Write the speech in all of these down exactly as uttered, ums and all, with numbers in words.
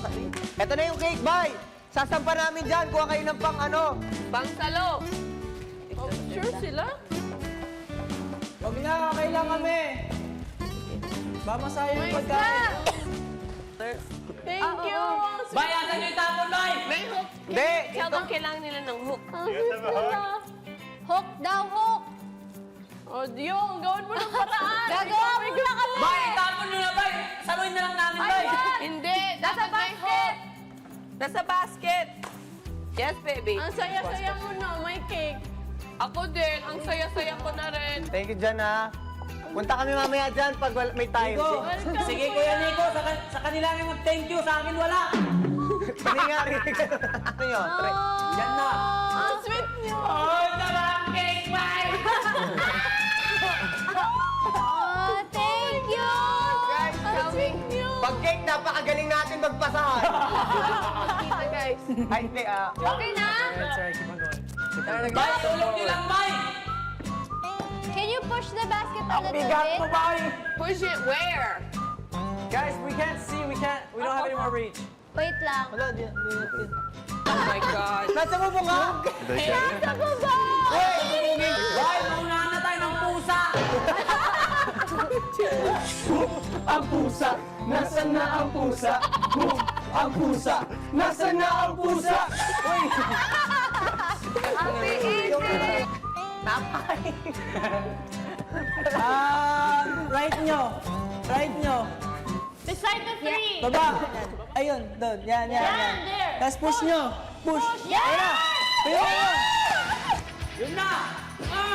Ito na yung cake, bye! Sasampa namin dyan. Kuha kayo ng pang ano. Pang salo. Oh, sure sila? Huwag na, okay lang kami. Ba masaya yung pagkain. Thank you. Bay, asan yung tapon, Bay? May hook. Hindi, Tell ito- them kailangan nila ng hook. Hook daw, hook! Oh, Diyo, gawin mo ng paraan. Gagawa mo na kami! Bay, itapon nyo na, Bay. Saluhin na lang namin, Bay. Hindi, Nasa dapat may basket! hook. Nasa basket. Yes, baby. Ang saya-saya mo na, may cake. Ako din, ang saya-saya ko na rin. Thank you dyan, ha. Punta kami mamaya dyan pag wal- may time. Nico, Welcome, sige Kuya. Kuya Nico, sa, kan- sa kanila nga mag-thank you, sa akin wala. Hindi nga, rinig. Ano yun? Tre- Yan na. Ang sweet niyo. Oh, sarap cake, Bay. Oh, thank you! Guys, Ang sweet niyo. pag cake, napakagaling natin magpasahan. Kita, guys. Ay, hindi, ah. Okay na? Bay, tulog nyo lang, Bay. Can you push the basket a Ang little bigat bit? mo, Bay! Push it where? Guys, we can't see, we can't, we don't have any more reach. Wait lang. Wala, di, di, di. Oh my God. Nasa mo nga? Nasa baba! Bay, maunahan na tayo ng pusa. Ang pusa! Nasaan na ang pusa? Boom! Ang pusa! Nasaan na ang pusa? Uy! Happy eating. Ah, right nyo. Right nyo. Beside the tree! Baba. Ayun, doon. Yan, yan, yan. Yan, there. Tapos push nyo. Push. Yan! Ayun na. Ayun na. Yun na. Ah!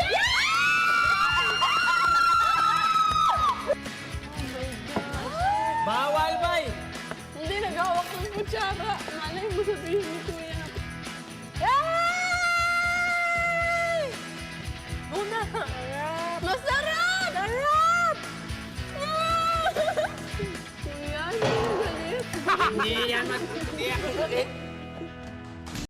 Bawal, Bay. Hindi, nagawak ng kutsara. Malay mo sabihin ni Kuya na. Una! Masarap! Sarap! Kuya, hindi mo galit. Hindi yan. Hindi yan.